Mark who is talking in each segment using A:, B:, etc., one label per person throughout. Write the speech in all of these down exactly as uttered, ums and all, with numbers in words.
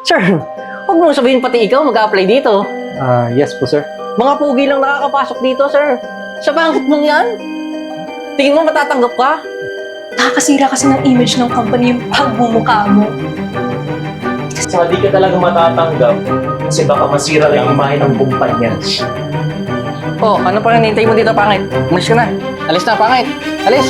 A: Sir, huwag mong sabihin pati ikaw mag-a-apply dito.
B: Ah, yes po, sir.
A: Mga pugi lang nakakapasok dito, sir. Sa pangit mong yan? Tingin mo matatanggap ka?
C: Nakakasira kasi ng image ng company yung pagmumukha mo.
D: Saka di ka talaga matatanggap kasi baka masira lang yung imahe ng kumpanya.
A: Oh, ano pa rin hintay mo dito, pangit? Umalis ka na. Alis na, pangit. Alis.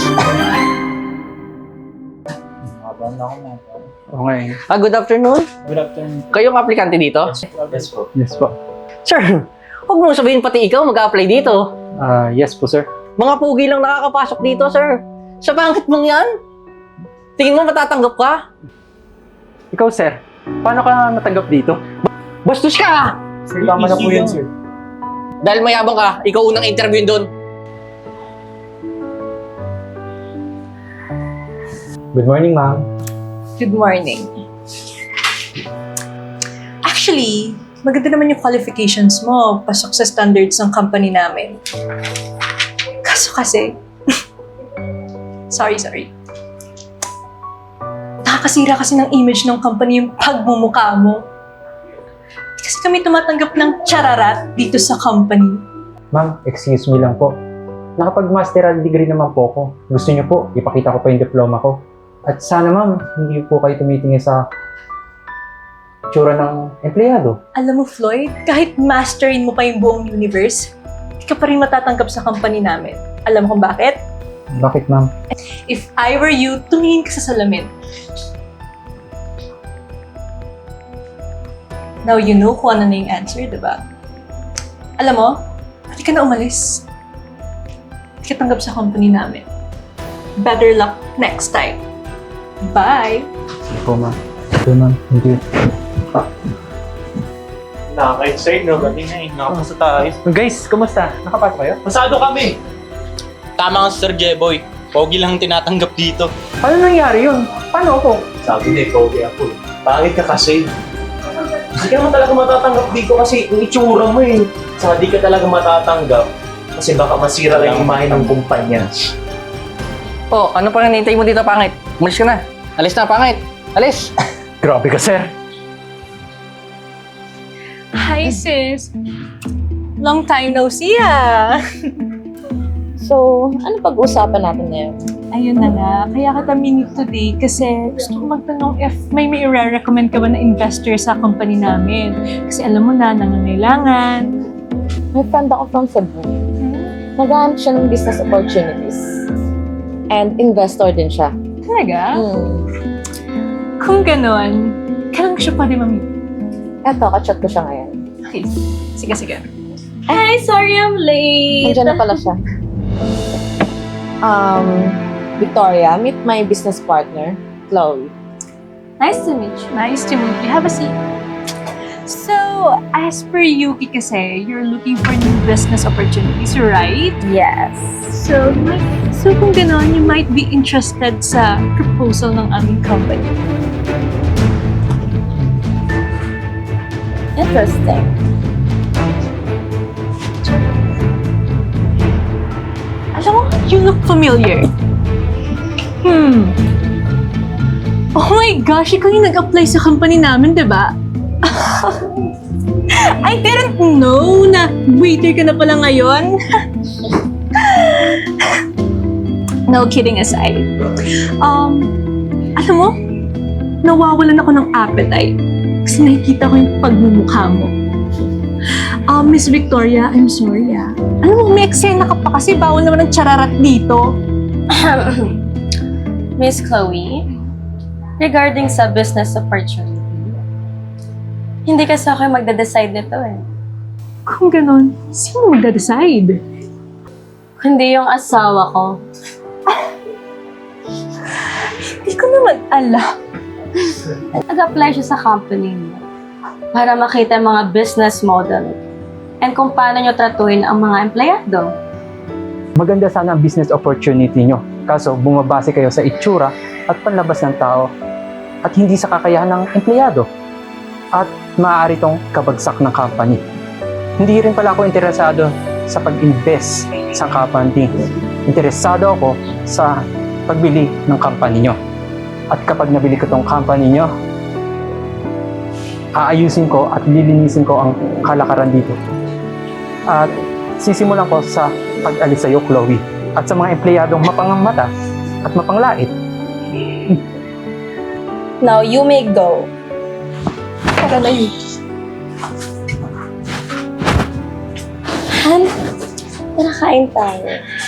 B: Okay.
A: Ah, good afternoon.
B: Good afternoon.
A: Kayong aplikante dito?
D: Yes po.
B: Yes po.
A: Sir, huwag mong sabihin pati ikaw mag-a-apply dito.
B: Ah, yes po, sir.
A: Mga pugi lang nakakapasok dito, sir. Sa pangit mong yan? Tingin mo matatanggap ka?
B: Ikaw, sir. Paano ka natanggap dito?
A: Bastos ka!
B: Sir, tama na po yun, sir.
A: Dahil mayabang ka, ikaw unang interview doon.
B: Good morning, ma'am.
C: Good morning. Actually, maganda naman yung qualifications mo. Pasok sa standards ng company namin. Kaso kasi, sorry, sorry. Nakakasira kasi ng image ng company yung pagmumukha mo. Kasi kami tumatanggap ng chararat dito sa company.
B: Ma'am, excuse me lang po. Nakapag-masteral degree naman po ako. Gusto niyo po, ipakita ko pa yung diploma ko. At sana, ma'am, hindi po kayo tumitingin sa tsura ng empleyado.
C: Alam mo, Floyd, kahit masterin mo pa yung buong universe, hindi ka pa rin matatanggap sa company namin. Alam mo kung bakit?
B: Bakit, ma'am?
C: If I were you, tumingin ka sa salamin. Now you know kung ano na yung answer, diba? Alam mo, pwede ka na umalis. Hindi ka tanggap sa company namin. Better luck next time. Bye!
B: Sige po, ma'am. Okay, ma'am. Thank you.
D: Nakakait sa'yo, no? Kanina eh. Nakapasa tayo.
B: Guys, kumusta? Nakapasok kayo?
D: Pasado kami!
E: Tama nga, Sir Jeboy. Pogi lang tinatanggap dito.
B: Ano nangyari yun? Paano ako?
D: Sabi na ikaw kaya ako. Pangit ka kasi. Hindi ka naman talaga matatanggap dito kasi yung itsura mo eh. Saka di ka talaga matatanggap kasi baka masira lang yung imahe ng kumpanya.
A: Oh, ano pa rin hintay mo dito, pangit? Umalis ka na. Alis na, pangit. Alis.
B: Grabe ka, sir.
C: Hi, sis! Long time no see, ah!
F: So, ano pag-uusapan natin ngayon?
C: Ayun na nga, kaya kita minute today kasi gusto ko magtanong if may may i-recommend ka ba na investor sa company namin. Kasi alam mo na, nangangailangan.
F: May friend ako from Cebu. Naghahanap siya ng business opportunities. And investor din siya.
C: Talaga?
F: Hmm.
C: Kung ganon, kailan ko siya pwede mamit?
F: Eto, kachat ko siya ngayon.
C: Okay, sige, sige.
F: Hi, sorry I'm late. Nandiyan na pala siya. Um, Victoria, meet my business partner, Chloe.
C: Nice to meet you. Nice to meet you. Have a seat. So, as per Yuki kasi, you're looking for new business opportunities, right?
F: Yes.
C: So, may- so kung gano'n, you might be interested sa proposal ng aming company.
F: Interesting.
C: Alam mo, you look familiar. Hmm. Oh my gosh, ikaw yung nag-apply sa company namin, di ba? I didn't know na waiter ka na pala ngayon. No, kidding aside. Um, alam mo, nawawalan ako ng appetite kasi nakikita ko yung pagmumukha mo. Um, Miss Victoria, I'm sorry ah. Alam mo, may eksena ka pa kasi bawal naman ng chararat dito.
G: Miss Chloe, regarding sa business opportunity, hindi kasi ako yung magde-decide nito eh.
C: Kung ganon, sino magda-decide?
G: Kundi yung asawa ko.
C: Hindi ko naman alam.
G: Nag-apply siya sa company niyo para makita yung mga business model and kung paano nyo tratuhin ang mga empleyado.
B: Maganda sana ang business opportunity nyo. Kaso, bumabase kayo sa itsura at panlabas ng tao at hindi sa kakayahan ng empleyado. At maaari tong kabagsak ng company. Hindi rin pala ako interesado sa pag-invest sa company. Interesado ako sa pagbili ng company nyo. At kapag nabili ko tong company nyo, aayusin ko at lilinisin ko ang kalakaran dito. At sisimulan ko sa pag-alis sa'yo, Chloe. At sa mga empleyadong mapangamata at mapanglait.
F: Now, you may go.
C: Tara na yun.
F: Han, tara kain tayo.